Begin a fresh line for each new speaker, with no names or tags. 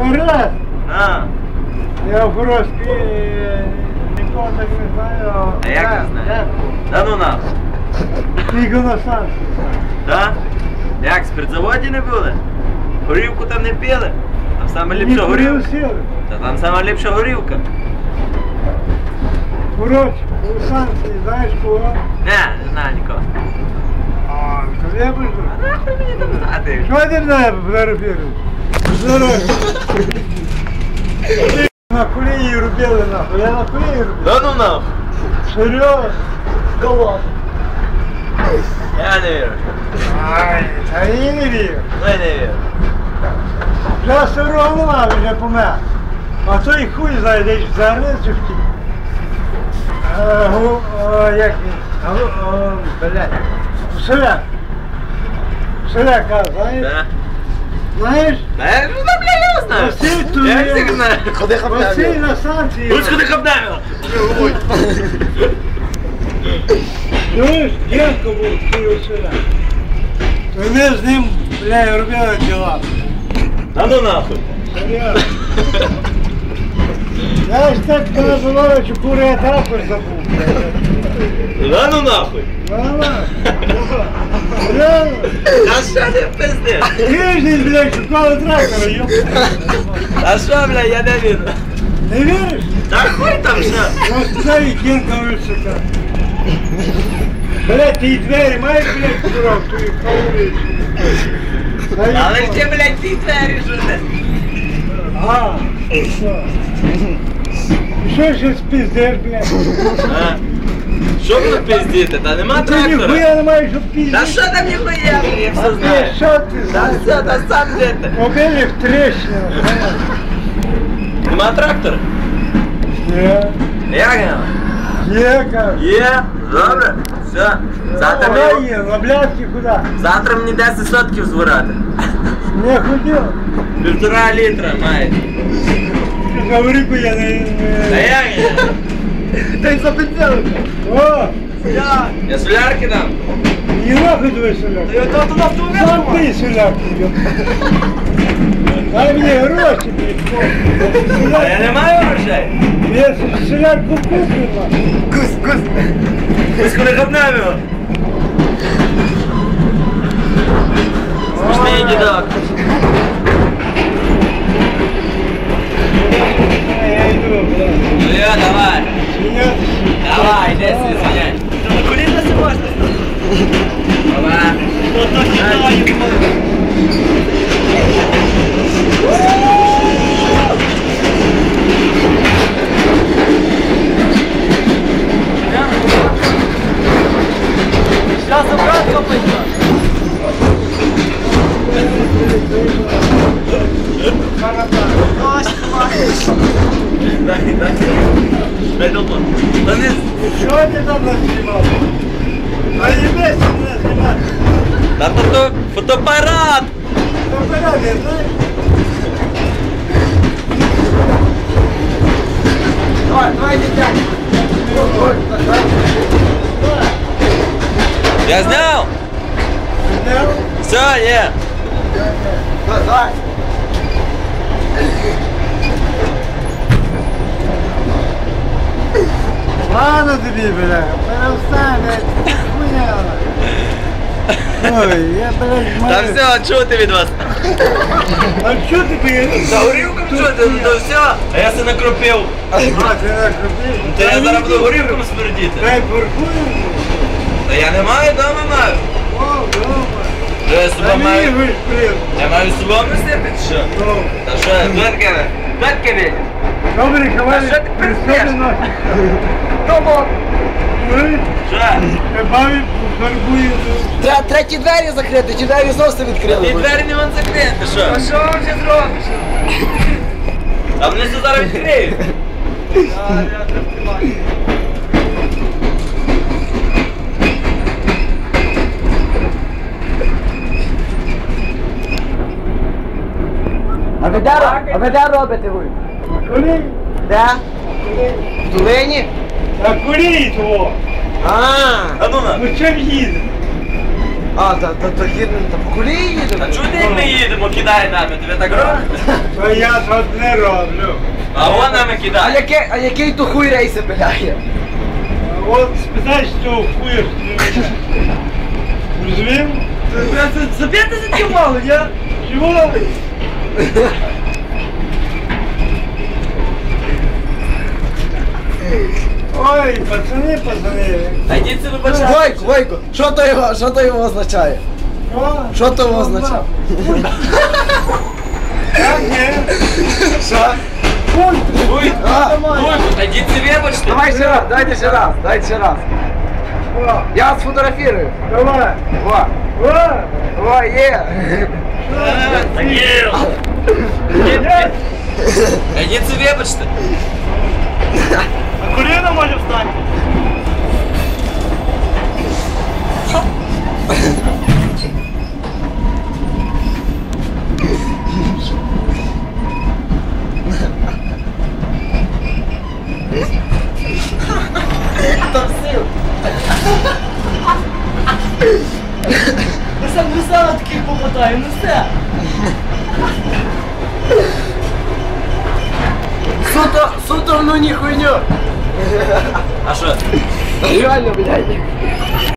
Раз.
А.
Я в Москві нікого так не знаю.
А як не знаєш? Да ну нахуй.
Тільки на станції.
Да? Як, в спиртзаводі не були? Горівку там не пили? Там саме ліпша горівка. Та там сама ліпша горівка.
Коротше, у станції, знаєш кого?
Не знаю нікого.
А, то я бежу.
А нахуй мені там знати?
Що ти мене фотографіруєш? Здорово. На колії робили нахуй, я на колії робив.
Да ну нахуй.
Серйозно?
Кого? Я не вірю.
Ай, та я не вірю.
Ну я не вірю.
Вже старого нема, вже помер. А той хуй знає, десь в Зарниці втік. Як він? Блядь. Селяк. Селяка, знаєш?
Да.
Знаєш?
Да я ну да, бля, я знаю.
Василь тут
Я
є.
всіх знаю.
Ходи хапнемо.
Василь на станції.
Ось куди хапнемо.
Чуєш, дівка був, такий Василя. То ми з ним, бля, робили діла.
Да ну нахуй.
Серйозно. Я ж так називаю, що кури я також забув.
Да ну нахуй.
Реально.
А що ти пиздиш?
Тиждень, блядь, шукали трактора, йоп.
А що, бля, я не вірю.
Не віриш?
Та хуй там що?
Ось туди і кінка висока. Блядь, ти і двері маєш, блядь, курок, твої хавулиці.
Але ж ти, блядь, ті двері жуди.
А, що? Що ще спіздиш, блядь?
А? Що буду пиздіти? Та нема
Ти
трактора.
ніхуя не маєш що піздити.
Та що там ніхуя, блядь, я
А
все
ти
знаю.
що ти
Та
знаєш?
все, та сам де ти.
Побили в трещину.
Нема трактора?
Є.
Як нема?
Є, кажу.
Є, добре. Все. Завтра
Вона
мені,
є, на блядки куди?
завтра мені 10 сотків збирати.
Не хотів.
1,5 літра має.
Гаврику я не...
Та як я?
Та й запитали.
О,
Я солярки дам.
і нахуй твій соляк.
Я то туди в
Сам ти соляк. Дай мені гроші, блядь.
А я не маю грошей.
Я соляк купив,
Кусь.
Ось коли хапнемо його. Смішний дідок.
я йду, блядь.
Ну я, давай.
Сміятися.
Давай, йди си звонять. Та на коліна не можна. Давай. Ото кидаю. Сейчас обратно пойдем. Дай долбо. Та не...
Що ти там назнімав? А їбеся мене знімати.
Та фотоапарат!
Фотоапарат, я знаєш?
Давай, дитя.
Я зняв?
Зняв?
Все, є.
Давай.
Ладно тобі, бля, перестань, блядь, хуйня. Ой, я, блядь,
Та
маю...
все, чути від вас.
А що ти поїдеш?
Та горівком чути, ну то все. А я се накропив.
А, ти накрутив?
Та я зараз буду горівком смердіти.
Дай паркую.
Та я не маю, дома маю.
О, дома.
Що я з
А
собою
мені
маю?
вишприв.
Я маю з собою носити, чи що?
Ну.
Та що, плетки? Плетки від?
Добре,
А
ховали,
що ти
при
пиздиш?
собі носиш.
Тому.
Ми
Що?
бабі фарбує.
Треба треті двері закрити, ті двері зовсім
Ті
відкрили.
двері не вон закрити, що? А що вам ще зробиш? А вони все зараз відкриють.
А ви де робите ви?
Коли?
Де? В Долині?
А курі твого.
А,
А ну на.
Ну чим їде?
А, то їдемо, та по колії їдемо.
А чого ти як ми їдемо, кидай нами, тебе так робить?
То я тут не роблю.
А вон нами кидає.
А який то хуй рейси пиляє?
От спитай, що хуєш. Розумів?
Заб'єте за ті мало, я?
Чого? Ой, пацани.
Та йдіть це вибачати.
Войко, що то його означає? Що то його означає?
Як ні?
Що?
Ой,
А,
та йдіть це вибачте.
давай ще раз, дайте ще раз.
О,
Я вас сфотографірую.
давай.
О,
О,
є.
Так є. Та йдіть це вибачте.
А коліна може встати?
Там сил.
Я сам не знала таких попадаю, ну все.
Суто, ну ні хуйню.
А що?
Реально, блядь.